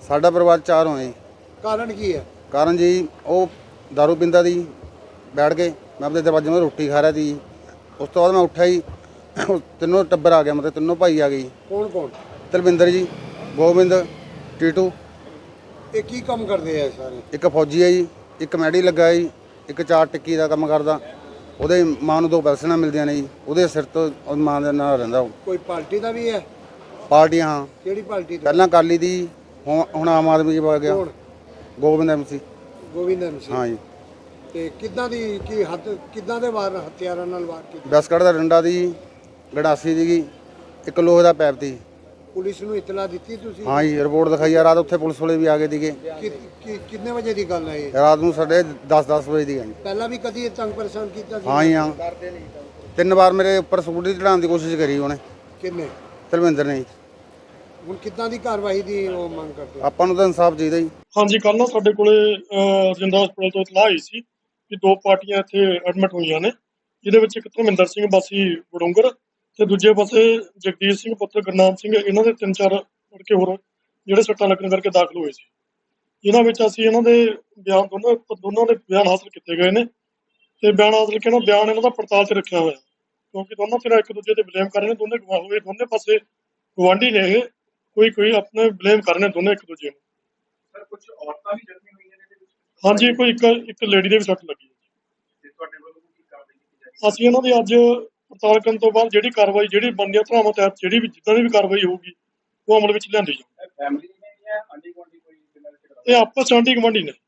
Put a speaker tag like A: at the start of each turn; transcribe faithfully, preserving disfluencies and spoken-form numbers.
A: ਸਾਡਾ ਪਰਿਵਾਰ ਚਾਰ ਹੋਏ ਜੀ।
B: ਕਾਰਨ ਕੀ ਹੈ?
A: ਕਾਰਨ ਜੀ ਉਹ ਦਾਰੂ ਪੀਂਦਾ ਸੀ, ਬੈਠ ਕੇ ਮੈਂ ਆਪਣੇ ਦਰਵਾਜ਼ੇ 'ਤੇ ਰੋਟੀ ਖਾ ਰਿਹਾ ਸੀ। ਉਸ ਤੋਂ ਬਾਅਦ ਮੈਂ ਉੱਠਿਆ ਜੀ, ਤਿੰਨੋਂ ਟੱਬਰ ਆ ਗਿਆ, ਮਤਲਬ ਤਿੰਨੋਂ ਭਾਈ ਆ ਗਏ ਜੀ।
B: ਕੌਣ ਕੌਣ?
A: ਤਲਵਿੰਦਰ ਜੀ, ਗੋਬਿੰਦ, ਟੀਟੂ।
B: ਇਹ ਕੀ ਕੰਮ ਕਰਦੇ ਆ ਸਾਰੇ?
A: ਇੱਕ ਫੌਜੀ ਹੈ ਜੀ, ਇੱਕ ਮੈਡੀ ਲੱਗਾ ਜੀ, ਇੱਕ ਚਾਰ ਟਿੱਕੀ ਦਾ ਕੰਮ ਕਰਦਾ। ਉਹਦੇ ਮਾਂ ਨੂੰ ਦੋ ਪੈਨਸ਼ਨਾਂ ਮਿਲਦੀਆਂ ਨੇ ਜੀ, ਉਹਦੇ ਸਿਰ ਤੋਂ ਉਹਦੀ ਮਾਂ ਦੇ ਨਾਲ ਰਹਿੰਦਾ ਉਹ।
B: ਕੋਈ ਪਾਰਟੀ ਦਾ ਵੀ ਹੈ?
A: ਪਾਰਟੀਆਂ ਹਾਂ,
B: ਕਿਹੜੀ ਪਾਰਟੀ ਦਾ?
A: ਪਹਿਲਾਂ ਅਕਾਲੀ ਦੀ, ਹੁਣ ਹੁਣ ਆਮ ਆਦਮੀ 'ਚ ਪਾ ਗਿਆ।
B: ਕੌਣ?
A: ਗੋਬਿੰਦ ਐਮਸੀ।
B: ਗੋਬਿੰਦ ਐਮਸੀ।
A: ਹਾਂ ਜੀ।
B: ਤੇ ਕਿੱਦਾਂ ਦੀ ਕੀ ਹੱਥ ਕਿੱਦਾਂ ਦੇ ਵਾਰ ਹਥਿਆਰਾਂ ਨਾਲ ਵਾਰ ਕੀਤੇ?
A: ਬਿਸਕਟ ਦਾ ਡੰਡਾ ਦੀ, ਗੰਡਾਸੀ ਦੀ, ਇੱਕ ਲੋਹੇ ਦਾ ਪੈਪ ਦੀ।
B: ਪੁਲਿਸ ਨੂੰ ਇਤਲਾ ਦਿੱਤੀ ਤੁਸੀਂ?
A: ਹਾਂ ਜੀ, ਰਿਪੋਰਟ ਦਿਖਾਈ ਆ। ਰਾਤ ਉੱਥੇ ਪੁਲਿਸ ਵਾਲੇ ਵੀ ਆ ਗਏ ਸੀਗੇ।
B: ਕਿ- ਕਿ- ਕਿੰਨੇ ਵਜੇ ਦੀ ਗੱਲ ਹੈ ਇਹ?
A: ਰਾਤ ਨੂੰ ਸਾਡੇ ਦਸ ਦਸ ਵਜੇ ਦੀ ਹੈ ਜੀ।
B: ਪਹਿਲਾਂ ਵੀ ਕਦੀ ਇਹ ਤੰਗ ਪਰੇਸ਼ਾਨ ਕੀਤਾ ਸੀ?
A: ਹਾਂ ਜੀ ਹਾਂ, ਤਿੰਨ ਵਾਰ ਮੇਰੇ ਉੱਪਰ ਸਕੂਟਰੀ ਚੜਾਉਣ ਦੀ ਕੋਸ਼ਿਸ਼ ਕਰੀ ਉਹਨੇ,
B: ਕਿੰਨੇ?
A: ਧਰਮਿੰਦਰ ਨੇ ਜੀ।
B: ਹੁਣ ਕਿੱਦਾਂ ਦੀ ਕਾਰਵਾਈ ਦੀ ਉਹ ਮੰਗ ਕਰਦੇ?
A: ਆਪਾਂ ਨੂੰ ਤਾਂ ਇਨਸਾਫ ਚਾਹੀਦਾ ਜੀ।
C: ਹਾਂਜੀ, ਕੱਲ੍ਹ ਨਾ ਸਾਡੇ ਕੋਲੇ ਅਹ, ਰਜਿੰਦਰਾ ਹਸਪਤਾਲ ਤੋਂ ਇਤਲਾਹ ਆਈ ਸੀ ਕਿ ਦੋ ਪਾਰਟੀਆਂ ਇੱਥੇ ਐਡਮਿਟ ਹੋਈਆਂ ਨੇ, ਜਿਹਦੇ ਵਿੱਚ ਇੱਕ ਧਰਮਿੰਦਰ ਸਿੰਘ ਵਾਸੀ ਵੜੋਂਗਰ ਤੇ ਦੂਜੇ ਪਾਸੇ ਜਗਦੀਸ਼ ਸਿੰਘ ਪੁੱਤਰ ਗੁਰਨਾਮ ਸਿੰਘ, ਇਹਨਾਂ ਦੇ ਤਿੰਨ ਚਾਰ ਲੜਕੇ ਹੋਰ ਜਿਹੜੇ ਸੱਟਾਂ ਲੱਗਣ ਕਰਕੇ ਦਾਖਲ ਹੋਏ ਸੀ। ਇਹਨਾਂ ਵਿੱਚ ਅਸੀਂ ਇਹਨਾਂ ਦੇ ਬਿਆਨ ਦੋਨੋਂ ਦੋਨਾਂ ਦੇ ਬਿਆਨ ਹਾਸਲ ਕੀਤੇ ਗਏ ਨੇ ਤੇ ਬਿਆਨ ਹਾਸਲ ਕੇ ਨਾ ਬਿਆਨ ਇਹਨਾਂ ਦਾ ਪੜਤਾਲ 'ਚ ਰੱਖਿਆ ਹੋਇਆ, ਕਿਉਂਕਿ ਦੋਨੋਂ ਫਿਰ ਇੱਕ ਦੂਜੇ ਤੇ ਬਲੇਮ ਕਰ ਰਹੇ ਨੇ। ਦੋਨੇ ਗਵਾਹ ਹੋਏ, ਦੋਨੇ ਪਾਸੇ ਗੁਆਂਢੀ ਨੇ ਇਹ, ਕੋਈ ਕੋਈ ਆਪਣੇ ਬਲੇਮ ਕਰ ਰਹੇ ਨੇ ਦੋਨੇ ਇੱਕ ਦੂਜੇ ਨੂੰ।
D: ਸਰ ਕੁਝ ਔਰਤਾਂ ਵੀ ਜ਼ਖਮੀ ਹੋਈਆਂ ਨੇ ਇਹਦੇ ਵਿੱਚ?
C: ਹਾਂਜੀ, ਕੋਈ ਇੱਕ ਇੱਕ ਲੇਡੀ ਦੇ ਵੀ ਸੱਟ ਲੱਗੀ ਹੈ।
D: ਤੇ ਤੁਹਾਡੇ ਵੱਲੋਂ ਕੀ ਕਾਰਵਾਈ ਕੀਤੀ ਜਾਏਗੀ?
C: ਅਸੀਂ ਇਹਨਾਂ ਦੀ ਅੱਜ ਪੜਤਾਲ ਕਰਨ ਤੋਂ ਬਾਅਦ ਜਿਹੜੀ ਕਾਰਵਾਈ, ਜਿਹੜੀ ਬਣਦੀਆਂ ਧਾਰਾਵਾਂ ਤਹਿਤ ਜਿਹੜੀ ਵੀ ਜਿੱਦਾਂ ਦੀ ਵੀ ਕਾਰਵਾਈ ਹੋਊਗੀ ਉਹ ਅਮਲ ਵਿੱਚ ਲਿਆਂਦੀ ਜਾਊਗੀ।
D: ਫੈਮਿਲੀ ਨੇ ਜਾਂ ਆਂਢੀ ਗੁਆਂਢੀ ਕੋਈ ਜਿਨ੍ਹਾਂ ਦੇ?
C: ਇਹ ਆਪਸ 'ਚ ਆਂਢੀ ਗੁਆਂਢੀ ਨੇ।